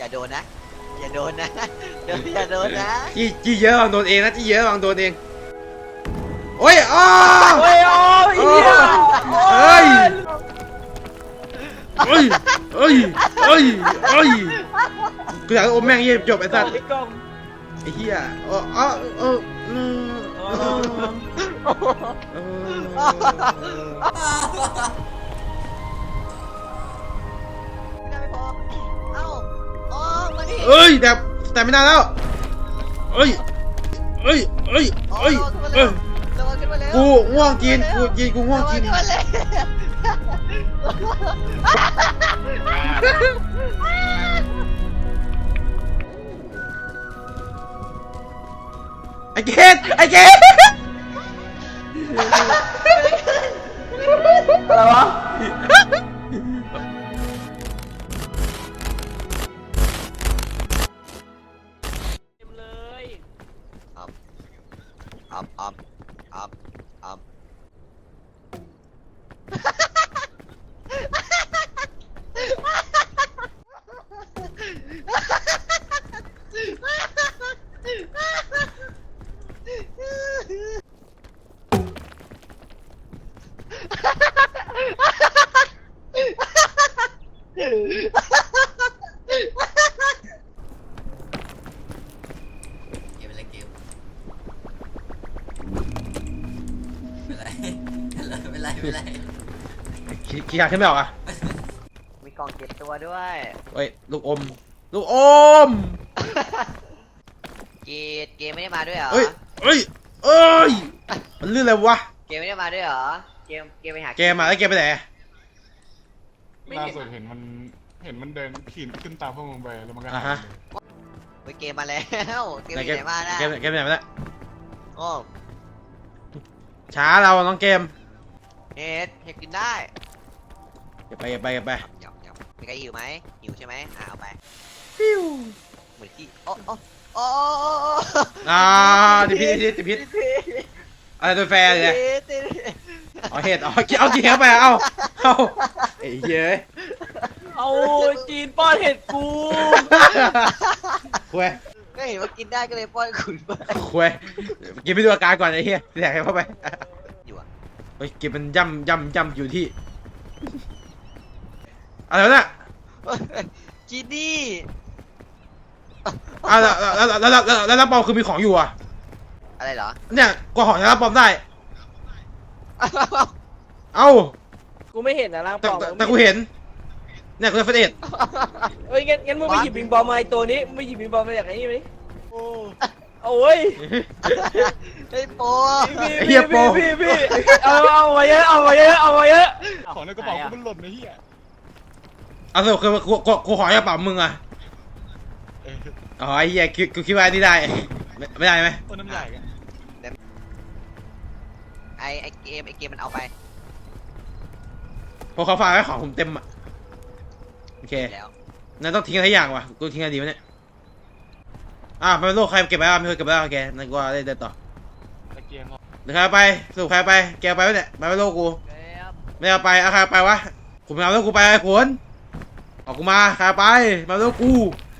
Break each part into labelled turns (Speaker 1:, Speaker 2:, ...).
Speaker 1: อย่าโดนนะอย่าโดนนะอย่าโดนนะ
Speaker 2: จี้เยอะวางโดนเองนะจี้เยอะวางโดนเองโอ้ยอ้อ
Speaker 3: โอ้ยเฮีย
Speaker 2: เฮ้ยเฮ้ยเฮ้ยเฮ้ยเฮ้ยกูอยากอมแม่งเยี่ยจบไอ้สัตว์ไอ้เหี้ย
Speaker 1: ไม่พอเอ้าอ๋อมาดิ
Speaker 2: เอ้ยแต่ไม่นานแล้วเอ้ยเอ้ยเอ้ยเอ้ยเอ้ยกูง่วงจีนกูง่วงจีนไอ้เกด
Speaker 3: อะไรวะเลย
Speaker 1: อัพ
Speaker 4: เป็นไร
Speaker 2: ขี้ขาดขึ้นไม่ออกอ่ะ
Speaker 1: มีกล่องเก็บตัวด้วย
Speaker 2: เฮ้ยลูกอม
Speaker 1: เกมไม่ได้มาด้วยเหรอ
Speaker 2: เอ้ยมันลื่นอะไรวะ
Speaker 1: เกมไม่ได้มาด้วยเหรอเกมไปหา
Speaker 2: เกมมาแล้วเกมไปไหน
Speaker 4: ล่าสุดเห็นมันเดินขี่ขึ้นตามพวกมึงไปแล้วมันก็
Speaker 2: ฮะ
Speaker 1: เกมมาแล้วเกมไหนมานะ
Speaker 2: เกมไปไหนมาแล้ว
Speaker 1: โอ้
Speaker 2: ช้าเราน้องเกม
Speaker 1: เห็ดกินได้
Speaker 2: เก็บไปห
Speaker 1: ยับมีใครหิวไหมหิวใช่ไหมเอาไป
Speaker 2: ฟิว
Speaker 1: เหมือนที่โอ้
Speaker 2: ติดพิษอะไรตัวแฟร์เลยเอาเห็ดเอากินเข้าไปเอาไอ้เย้ย
Speaker 3: เอาจีนป้อนเห็ดกู
Speaker 2: คุย
Speaker 1: ก็เห็นว่ากินได้ก็เลยป้อนคุณไป
Speaker 2: คุยกินไปดูอาการก่อนไอ้เหี้ยแดกเข้าไป
Speaker 1: อยู่อ่ะ
Speaker 2: เฮ้ยกินมันย่ำอยู่ที่อะไรวะเนี่ย
Speaker 1: จีนี่
Speaker 2: แล้วรับปอมคือมีของอยู่อ่ะ
Speaker 1: อะไรเหรอ
Speaker 2: เนี่ยกว่าของจะรับปอมได้เอ้า
Speaker 3: กูไม่เห็นนะร่างปลอม
Speaker 2: แต่กูเห็นเนี่ยกูจะเฟดเอ็ด
Speaker 3: เฮ้ยงั้นมึงไปหยิบบิงบอลมาไอตัวนี้ไม่หยิบบิงบอลมาจากไหนนี่ไหมโอ้ย
Speaker 1: ไอ้โป
Speaker 3: พี่เอามาเยอะ
Speaker 4: ของในกระเป๋ากูมันหล่นในเหี้ย
Speaker 2: เอาสิคือกูขอจะปรับมึงอ่ะอ๋อไอ้เหี้ยกูคิดว่านี่ได้ไม่ได้ไหม
Speaker 4: ต้นน้ำใหญ่กัน
Speaker 1: ไอเกมมันเอาไป
Speaker 2: พอเขาฝากไว้ของผมเต็มอ่ะโอเค
Speaker 1: แล้ว
Speaker 2: นั่นต้องทิ้งอะไรอย่างวะกูทิ้งอะไรดีวะเนี่ยเป็นโลกใครเก็บไปไม่เคยเก็บไปโอเคนั่นกูได้เดินต่อหรือใครไปสรุปใครไปแกไปวะเนี่ยไปโลกกูไม่เอาไปใครไปวะกูไม่เอาแล้วกูไปไอ้ขนออกกูมาใครไปมาโลกกู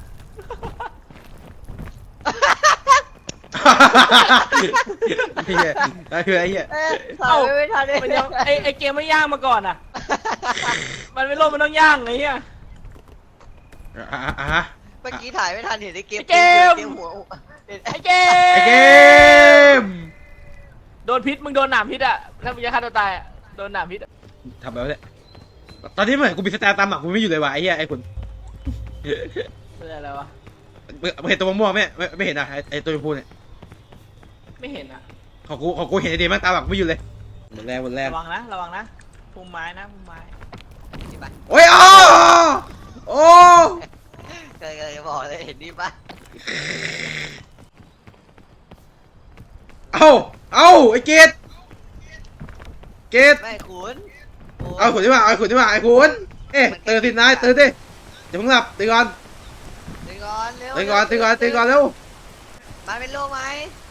Speaker 2: ไอ้เหี้ยนั่นคือไอ้เหี้ย
Speaker 1: ไม่ทันเลย
Speaker 3: มันยังไอเกมไม่ย่างมาก่อนอ่ะมันไม่โลภมันต้องย่างไงเหี้ย
Speaker 1: เมื่อกี้ถ่ายไม่ทันเห็นไอ้เกมหัว
Speaker 3: ไอเก
Speaker 2: ม
Speaker 3: โดนพิษมึงโดนหนามพิษอ่ะถ้ามึงจะฆ่าตัวตายโดนหนามพิษ
Speaker 2: ทำแบบนี้ตอนนี้เหมือนกูมีสแตนตามหลังกูไม่อยู่เลยวะไอ้เหี้ยไอ้คุณ
Speaker 3: เป็นอะไรวะ
Speaker 2: เห็นตัวม่วงไม่เห็นอ่ะไอ้ตัวพูเนี่ย
Speaker 3: ไม่เห็นอ่ะ
Speaker 2: ของกูเห็นไอ้เดมันตามหลังไม่อยู่เลยหมดแรง
Speaker 3: ระวังนะพุ่มไม้
Speaker 2: โอ้ยโอ้
Speaker 1: เคยบอกเลยเห็นนี่ปะ
Speaker 2: เอาไอ้เกด
Speaker 1: ไม่ขุน
Speaker 2: เอาขุนที่ว่าไอ้ขุนตื่นสินายตื่นดิอย่าเพิ่งหลับตื่นก่อนเร็ว
Speaker 1: มาเป็นโลไหม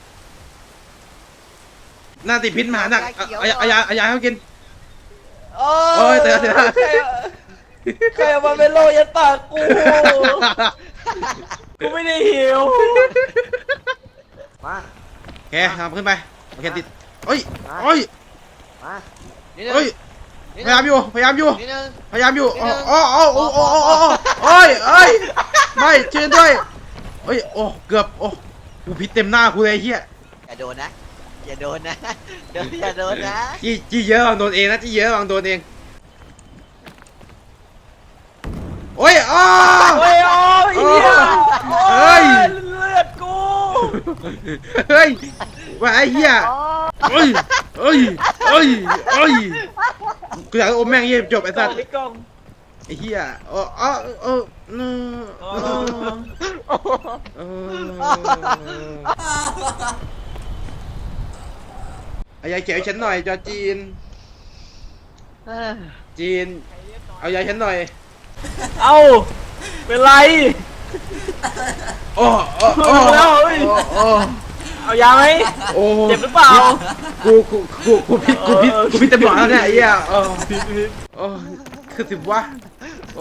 Speaker 2: น่าติดพิษมาหนักเอายาให้เขากิน
Speaker 3: โอ้ย
Speaker 2: ตื่น
Speaker 3: ใครเอามาเป็นโลยัดปากกูกูไม่ได้หิว
Speaker 1: มา
Speaker 2: โอเคทำขึ้นไปโอเคติดเฮ้ยเฮ้ย
Speaker 1: มานิดนึง
Speaker 2: เฮ้ย
Speaker 1: นิด
Speaker 2: พ
Speaker 1: นึ
Speaker 2: ยาง ยามอยู่พยายามอยู่
Speaker 1: นิดนึง
Speaker 2: พยายามอยู่
Speaker 1: นิดนึง
Speaker 2: โอ้เอ้ยไม่ช่วยด้วยเฮ้ยโอ้เกือบโอ้กูพิษเต็มหน้ากูเลยไอ้เฮีย
Speaker 1: อย่าโดนนะอย่าโดนนะอย่าโดนนะ
Speaker 2: จี้เยอะบางโดนเองนะจี้เยอะบางโดนเองโอ้ยอ้า
Speaker 3: โอ้ยโอ้ยเหี้ย
Speaker 2: เฮ้ย
Speaker 3: เลือดกู
Speaker 2: เฮ้ยว่าไอ้เหี้ยเฮ้ยกูอยากอมแม่งเยี่ยจบไอ้สัตว์
Speaker 3: ไอ้กล้อง
Speaker 2: ไอ้เหี้ยไอ้ยายเขียวฉันหน่อยจอจีนเอายายฉันหน่อย
Speaker 3: เอ้าเป็นไร
Speaker 2: โอ้
Speaker 3: แล้วเฮ้ย เอายาไหม
Speaker 2: โอ้
Speaker 3: เจ็บหรือเปล่า
Speaker 2: กูพิษเต็มหลอดแล้วเนี่ยไอ้เหี้ยโอ้คือสิบวะโอ้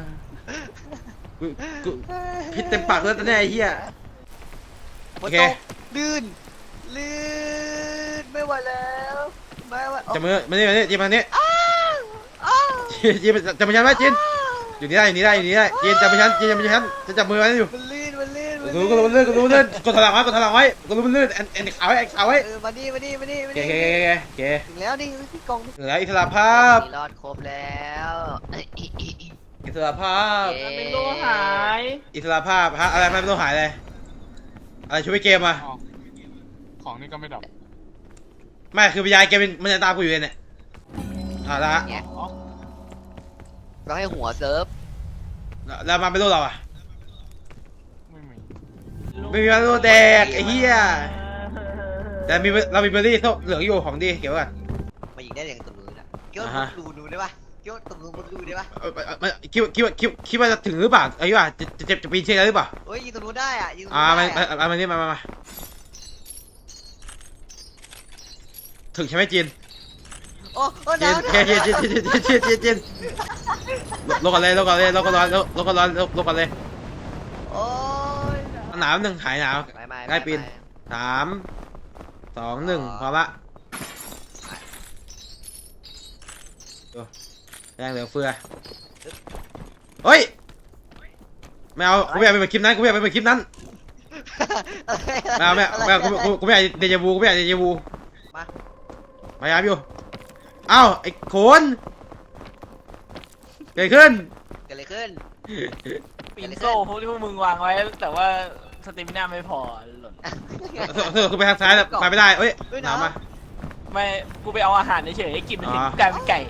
Speaker 2: กูพิษเต็มปากแล้วตอนนี้ไอ้เหี้ย
Speaker 1: ฝ
Speaker 2: โอน เค
Speaker 1: ตกลื่นไม่ไหวแล้วไม่ไหว
Speaker 2: จับมือมานี่จีมานี่
Speaker 1: อ้าวอ้าว
Speaker 2: จีจับมือฉันไว้จีนอยู่นี่ได้จีนจับมือฉันจะจับมือไว้อยู่
Speaker 1: มันลื่น
Speaker 2: กูรู้มันลื่นกดถลังไว้กูรู้มันลื่นแอนขาวไว้
Speaker 1: มาดิ
Speaker 2: เก๋
Speaker 1: ถึงแล้วนี่พี่กอง
Speaker 2: เหลืออิสระภาพ
Speaker 1: รอดครบแล้ว
Speaker 2: อิสระภาพ
Speaker 3: เป็นโลหาย
Speaker 2: อิสระภาพฮะอะไรไม่ต้องหายเลยอะไรช่วยเกมอ่ะ
Speaker 4: อ๋อของนี่ก็ไม่ดับ
Speaker 2: ไม่คือวิญญาณเกมมันจะตามกูอยู่เนี่ยละ
Speaker 1: เนี่ยเราให้หัวเซิร์ฟ
Speaker 2: แล้วมาไม่รู้เราอ่ะ
Speaker 4: ไม่มี
Speaker 2: ไม่มีมาโลแดกไอ้เหี้ยแต่เรามีเบอร์รี่ส้มเหลืองอยู่ของดีเก็บไว้ก่อน
Speaker 1: มายิงได้อย่างตรงนู้นนะเกี่ยว
Speaker 2: อ่าฮะ
Speaker 1: ดูได้ปะเกี่ยวตรงนู้นดูได้ปะ
Speaker 2: คิดว่าจะถึงหรือเปล่าไอ้ว่าจะปีนเชือกหรือเปล่า
Speaker 1: เฮ้ยยิงตรงนู้นได้อ่ะยิงตรง
Speaker 2: มา
Speaker 1: นู้นได้อะ
Speaker 2: นี่มาถึงใช่ไหมจีน
Speaker 1: โอ้ห
Speaker 2: จี
Speaker 1: นาวน
Speaker 2: จีนลงกันเลยโ
Speaker 1: โอ้ย
Speaker 2: หนาวหนึ่งหายหนาว
Speaker 1: ไม่
Speaker 2: ได้ปีน 3 2 1พอละแรงเหลือเฟือเฮ้ยไม่เอากูไม่อยากไปเหมือนคลิปนั้นไม่เอากูไม่อยากเดจาวู
Speaker 1: มา
Speaker 2: พยายามอยู่เอ้าไอ้โขนเกิดขึ้น
Speaker 1: เกิดอะไรขึ้น
Speaker 3: ปิ่นโซ่พวกที่พวกมึงวางไว้ แต่ว่าสเตมิน่าไม่พอหล่น
Speaker 2: คือไปทางซ้ายแล้วไปไม่ได้เอ้ยหนาวมา
Speaker 3: ไม่กูไปเอาอาหารเฉยๆให้กินมันถึงกลายเป็นไก่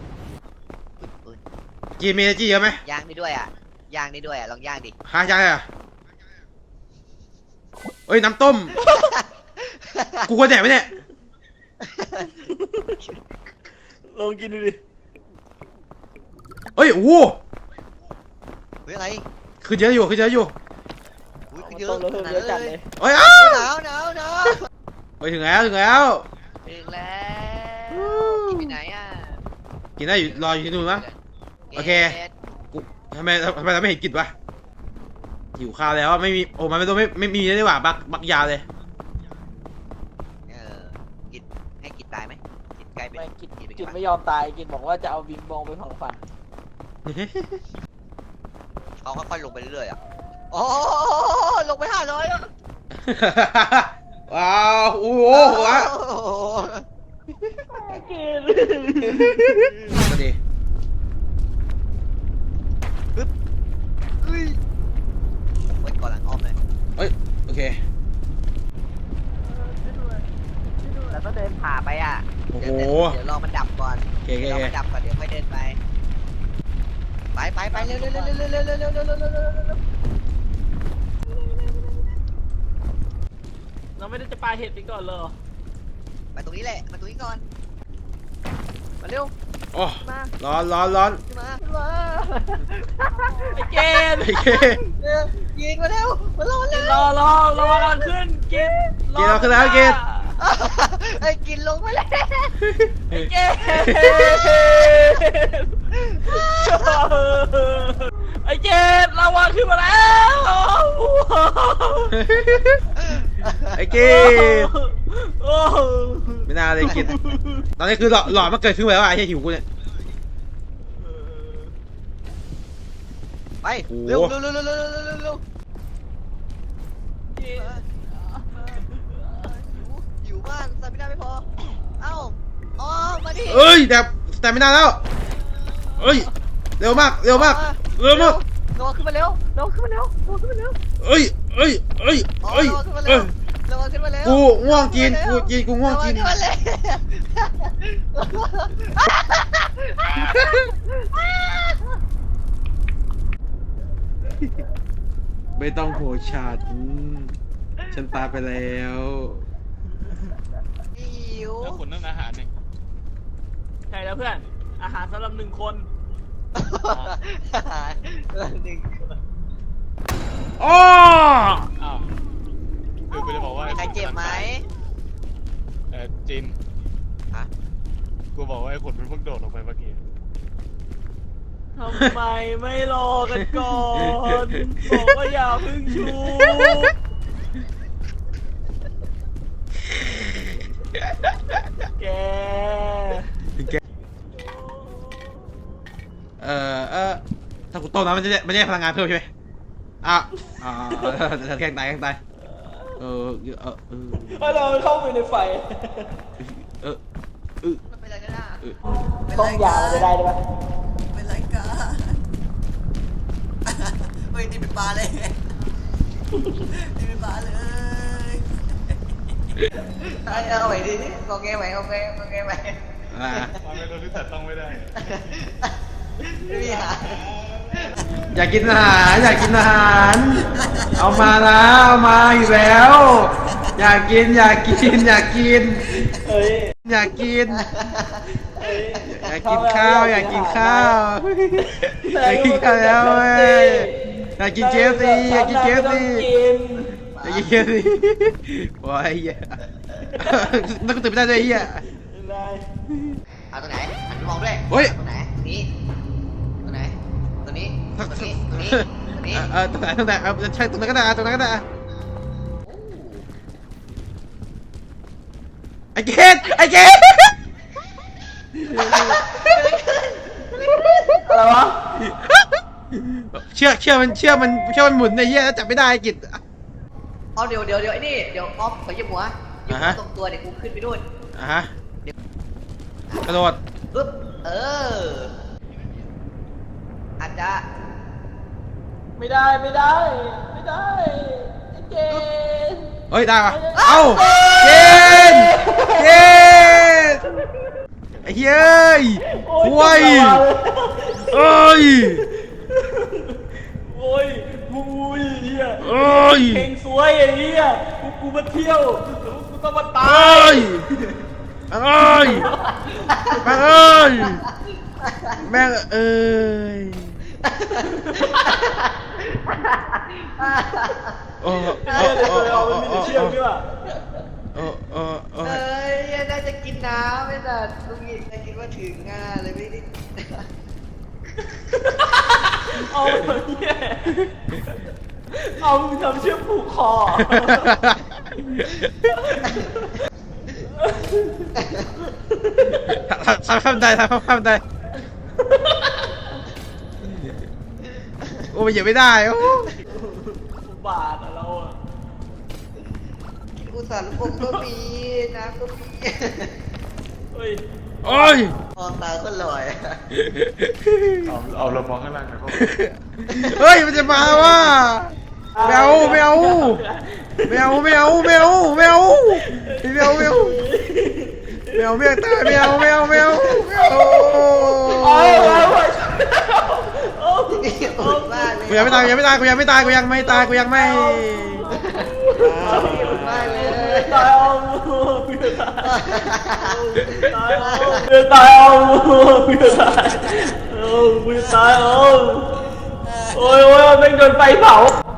Speaker 2: จีมีจีเยอะไหม
Speaker 1: ย่างนี่ด้วยอ่ะย่างนี่ด้วยอ่ะลองย่างดิ
Speaker 2: หาจังเลยอ่ะเอ้ยน้ำต้มกูควรแดกไหมเนี่ย
Speaker 3: ลองกินดูดิ
Speaker 2: เฮ้ยโอ้โห
Speaker 1: เฮ้ยอะไร
Speaker 2: ขึ้นเยอะอยู่
Speaker 1: อุ้ย
Speaker 3: เอา
Speaker 1: เย
Speaker 3: ต้
Speaker 1: อะ
Speaker 3: มแล้วเพิ่ม
Speaker 1: ขนาด
Speaker 3: เยอะจัด
Speaker 1: เล
Speaker 3: เลย ย
Speaker 2: เฮ้ยอ้า
Speaker 1: หนาว
Speaker 2: ไปถึงแล้ว
Speaker 1: ถึงแล้วกินไปไหนอ่ะ
Speaker 2: กินได้อยู่รออยู่ที่นู่นมั้ง โอเค กูทำไมเราไม่เห็นกินวะหิวข้าวแล้วไม่มีโอ้มันไม่มีเลยดีกว่าบักยาวเลย
Speaker 1: กินให้กินตายไหมกินไกลไป
Speaker 3: ไม่กิน
Speaker 1: ไป
Speaker 3: กินไม่ยอมตายกินบอกว่าจะเอาบิงบองไปเผาฝัน
Speaker 1: เขาค่อยๆลงไปเรื่อยๆอ่ะโอ้ลงไป500อ่ะ
Speaker 2: ว้าวโอ้โหวะ
Speaker 3: กิน
Speaker 2: ก็ดี
Speaker 1: เฮ้ยไว้ก่อนหลังอ้อมเลย
Speaker 2: เฮ้ยโอเค
Speaker 1: แล้วก็เดินผ่าไปอ่ะ
Speaker 2: โอ้โห
Speaker 1: เดี๋ยวรอมันดับก่อน
Speaker 2: โอเค
Speaker 1: เดี๋ยวรอมันดับก่อนเดี๋ยวค่อยเดินไปไปเร็ว
Speaker 3: เราไม่ได้จะปาเห็ดไปก่อนเลย
Speaker 1: มาตรงนี้แหละมาตรงนี้ก่อนมาเร็ว
Speaker 2: โอ้
Speaker 1: มา
Speaker 2: ร้อน
Speaker 1: ขึ้นมา
Speaker 3: ไอ้เกณฑ์
Speaker 2: ไอ้เค
Speaker 1: ยิงมาเร็วมารอเร็ว
Speaker 3: รอก่อนขึ้นกิน
Speaker 2: กินเราขึ้นแล้วกิน
Speaker 1: ไอ้กินลงไปแล้ว
Speaker 3: ไอ้เกณฑ์ไอ้เจดลาวาขึ้นมาแล้ว
Speaker 2: ไอ้เกด
Speaker 3: โอ้
Speaker 2: ไม่น่าเลยกิดตอนนี้คือหลอดมันเกิดขึ้นไปแล้วไอ้เหี้ยหิวกูเนี่ย
Speaker 1: ไป
Speaker 2: โอ้โห
Speaker 1: เร็วเร็วเร็วเร็วเร็วเร็วเร็วเร็วหิวมากสตามิน่าไม่พอเอ้าอ๋อมาดิ
Speaker 2: เอ้ยแต่ไม่นานแล้วเอ้ยเร็วมากเร็วมากเร็วมาก
Speaker 1: โดดขึ้นมาเร็วโดดขึ้นมาเร็วโดดขึ้นมาเร็ว
Speaker 2: เอ้ยเอ้ยเอ้ย
Speaker 1: อ๋อ
Speaker 2: เอ้ย
Speaker 1: โดดขึ้นมา
Speaker 2: เอ้
Speaker 1: เร็วย โดดขึ้นมาเร็ว
Speaker 2: กูง่วงกินกูง่วงกิน
Speaker 1: โดดขึ้นมาเร็ว
Speaker 2: ไม่ต้องโหฉันตายไปแล้ว
Speaker 1: หิว
Speaker 4: แล้วคนนั่นอาหารเนี่ย
Speaker 3: ใช่แล้วเพื่อนอาหารสำหรับ1 คน
Speaker 1: หนึ่ง
Speaker 2: อ้อ
Speaker 4: อ้าวคือกูจะบอกว่า
Speaker 1: ใครเจ็บไหม
Speaker 4: จิน
Speaker 1: ฮะ
Speaker 4: กูบอกว่าไอ้ขนมันเพิ่งโดดลงไปเมื่อกี้
Speaker 3: ทำไมไม่รอกันก่อนบอกว่าอย่าเพึ่งชูแก
Speaker 2: ถ้ากูต้มน้ำมันจะได้พลังงานเพิ่มใช่ไหมแกล้งตาย
Speaker 3: เราเข้าไปในไฟ
Speaker 1: มันเป็นอะไรกันอ่ะ
Speaker 3: ต้องยามันจะได้ไหม
Speaker 1: เป็นไรกันเฮ้ยนี่เป็นปลาเลยนี่เป็นปลาเลยเอาไปดิโอเคไหมโอเคไหม
Speaker 4: ตอนนี้โดนที่แต่ต้องไม่ได้
Speaker 1: ไม่มีหา
Speaker 2: อยากกินอาหารเอามานะเอามาอีกแล้ว อยากกิน
Speaker 3: เอ้ย
Speaker 2: อยากกินข้าวอยากกินข้าวแล้วเว้ยอยากกินเคฟซีอยากกินเคฟซีว้ายเหี้ยนั่นก็ตื่นไม่ได้ด้วยเหี้ย
Speaker 1: เอาตรงไหนหันไปมองด้วย
Speaker 2: เฮ้ย
Speaker 1: ตรงไหนนี่ตรงไหนตรงนี้ตรงนี้ตรงนี้ตรงนี้
Speaker 2: ตรงไหนใช่ตรงนั้นก็ได้ตรงนั้นก็ได้ไอ้เกด
Speaker 3: อะไรวะ
Speaker 2: เชื่อมันหมุนในเหี้ยจับไม่ได้ไอ้กิจ
Speaker 1: อ๋อเดี๋ยวไอ้นี่เดี๋ยวออฟขอยืมหัวยืมหัวตรงตัวเดี๋ยวกูขึ้นไปด้วย
Speaker 2: ฮะกระโดด
Speaker 1: ปึ๊บอาจจะ
Speaker 3: ไม่ได้ไอ้เจน
Speaker 2: เฮ้ยได้ปะเอ้าเกณฑ์ไอ้เฮ้ยห่วยเอ้ย
Speaker 3: โอ้ยเฮีย
Speaker 2: เอ้ย
Speaker 3: เพลงสวยไอ้เฮียกูมาเที่ยวกูต้องมาตา
Speaker 2: เอ้
Speaker 3: ย
Speaker 2: ยแม่งเอ้ยโอ้
Speaker 3: เอามันมีแต่เชือกด้วย
Speaker 1: เอ้ยน่าจะกินน้ำไม่แต่ลุงอีกคิดว่าถึงเลยไม่ได้
Speaker 3: เอาเฮียเอามึงทำเชือกผูกคอ
Speaker 2: ทำได้โอ้ยเหยียบไม่ได้โอ้
Speaker 3: บาทอะเราอะ
Speaker 1: อุตส่าห์ลูกอมก็มีน้ำก็มี
Speaker 3: เฮ้ย
Speaker 2: โอ้ย
Speaker 1: มองตาก็ลอย
Speaker 4: เอาเรามองข้างล่างหนะเขา
Speaker 2: เฮ้ยมันจะมาว่ะไม่เอาตายไม่เอากูยังไม่ตายกูยังไม่ตาย
Speaker 1: มากเลย
Speaker 3: ตายเอาโอ้ยแม่งโดนไฟเผา